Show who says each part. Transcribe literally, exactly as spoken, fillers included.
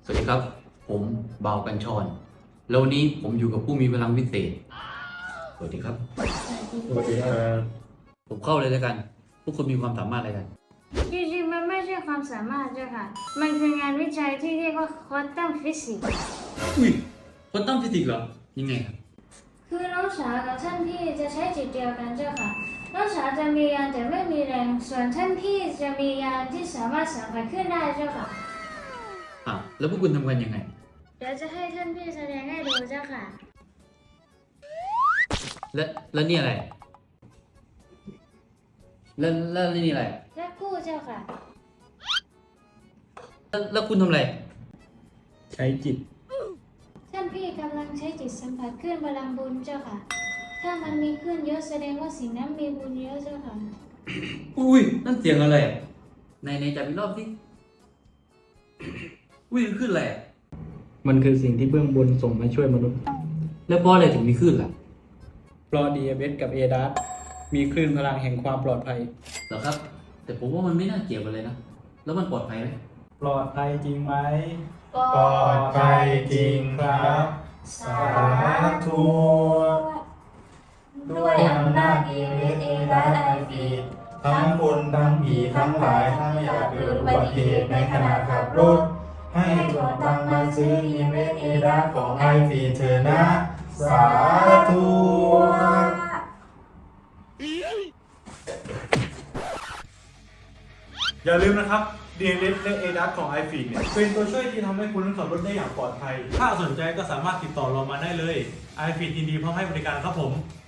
Speaker 1: วัสดีครับผมบ่าวกัญชรแล้ววันนี้ผมอยู่กับผู้มีพลังวิเศษสวัสดีครับ
Speaker 2: สวัสดีครับ
Speaker 1: ผมเข้าเลยแล้วกันพวกคุณมีความสามารถอะไรกัน
Speaker 3: จริงๆมันไม่ใช่ความสามารถเจ้าค่ะมันคืองานวิจัยที่เรียกว่าควอนตัมฟิสิกส์
Speaker 1: อุ้ยควอนตัมฟิสิกส์เหรอยังไงครับ
Speaker 3: คือน้องสาวกับท่านพี่จะใช้จิตเดียวกันเจ้าค่ะน้องสาวจะมียานแต่ไม่มีแรงส่วนท่านพี่จะมียานที่สามารถสัมผัสขึ้นได้เจ้าค่ะ
Speaker 1: อ่ะแล้วพวกคุณทำกันยังไง
Speaker 3: เดี๋ยวจะให้ท่านพี่แสดงให้ดูเจ้าค่ะ
Speaker 1: และแล้วนี่อะไรแล้วแล้วนี่อะไร
Speaker 3: และกู้เจ้าค่ะ
Speaker 1: แล้วแล้วคุณทำอะไร
Speaker 2: ใช้จิต
Speaker 3: ท่านพี่กำลังใช้จิตสัมผัสคลื่นพลังบุญเจ้าค่ะถ้ามันมีคลื่นเยอะแสดงว่าสิ่งนั้นมีบุญเยอะเจ้าค่ะ
Speaker 1: อุ้ยนั่นเสียงอะไรในในจับอีกรอบสิอุ้ยขึ้นอะไร
Speaker 2: มันคือสิ่งที่เบื้องบนส่งมาช่วยมนุษย์
Speaker 1: แล้วเพราะอะไรถึงมีขึ้นล่ะ
Speaker 2: เพราะ ดี เอ เอส กับ เอ ดัส มีคลื่นพลังแห่งความปลอดภัย
Speaker 1: เหรอครับแต่ผมว่ามันไม่น่าเกี่ยวกันเลยนะแล้วมันปลอดภัยไหม
Speaker 2: ปลอดภัยจริงไหม
Speaker 3: ปลอดภัยจริงครับสาธุด้วยอำนาจดีเวทเอและไอฟี
Speaker 4: ทั้งคนทั้งผีทั้งหลายถ้าไม่อยากเกิดอุบัติเหตุในขณะขับรถให้กดตังมาซื้ออีเมลเอดาของไอฟีเธอนะสาธุ
Speaker 5: อย่าลืมนะครับ ดี เอ เอส และ เอ ดัส ของ ไอ ฟี เนี่ยเป็นตัวช่วยที่ทำให้คุณขับรถได้อย่างปลอดภัยถ้าสนใจก็สามารถติดต่อเรามาได้เลย ไอ ฟี ยินดีพร้อมให้บริการครับผม